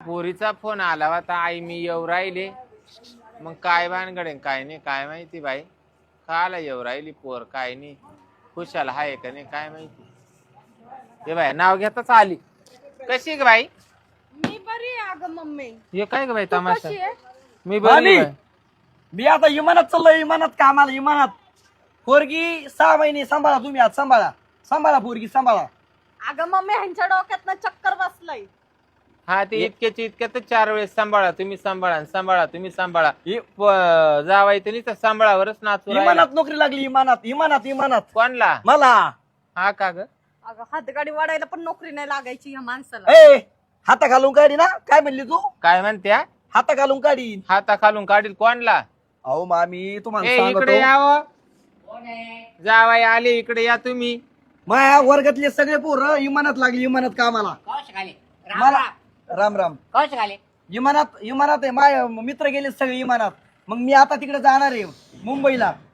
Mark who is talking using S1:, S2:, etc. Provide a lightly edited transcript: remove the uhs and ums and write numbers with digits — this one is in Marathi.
S1: पोरीचा फोन आला होता, आई मी येऊ राहिले. मग काय भानगडे काय नाही काय माहिती बाई. काला येऊ राहिली पोर काय नाही. खुशाल हाय का नाही काय माहिती. हे बाई नाव घेताच आली. कशी ग बाई?
S2: मी बरी आहे अगं मम्मी.
S1: हे काय ग बाई
S2: तू
S1: तमाशा?
S2: कशी आहे?
S1: मी बरी आहे.
S3: मी आता इमानात चाललोय, इमानात कामाला, इमानात. पोरगी 6 महिने सांभाळा तुम्ही, आज सांभाळा पोरगी सांभाळा.
S2: अगं मम्मी ह्यांच्या डोक्यात ना चक्कर बसलंय.
S1: हा ते इतक्याची इतक्यातच 4 वेळेस सांभाळा तुम्ही सांभाळा तुम्ही सांभाळा. जावाय तुम्ही तर सांभाळावरच नाचू राहिला.
S3: इमानात नोकरी लागली, इमानात.
S1: कोणला?
S3: मला.
S1: हा का ग?
S2: अगं हातगाडी वाढायला पण नोकरी नाही लागायची या माणसाला.
S3: ए हाता घालून काढी ना, काय म्हणली तू?
S1: काय म्हणत्या?
S3: हाता घालून काढी.
S1: हाता खालून काढील कोणला?
S3: अहो मामी तुम्हाला
S1: ए इकडे
S3: सांगतो,
S1: यावं. जावाय आले इकडे या तुम्ही.
S3: माया वर्गातले सगळे पोरं इमानात लागली, इमानात कामाला. मला राम राम. इमानात आहे, माय मित्र गेले सगळे इमानात. मग मी आता तिकडे जाणार आहे मुंबईला.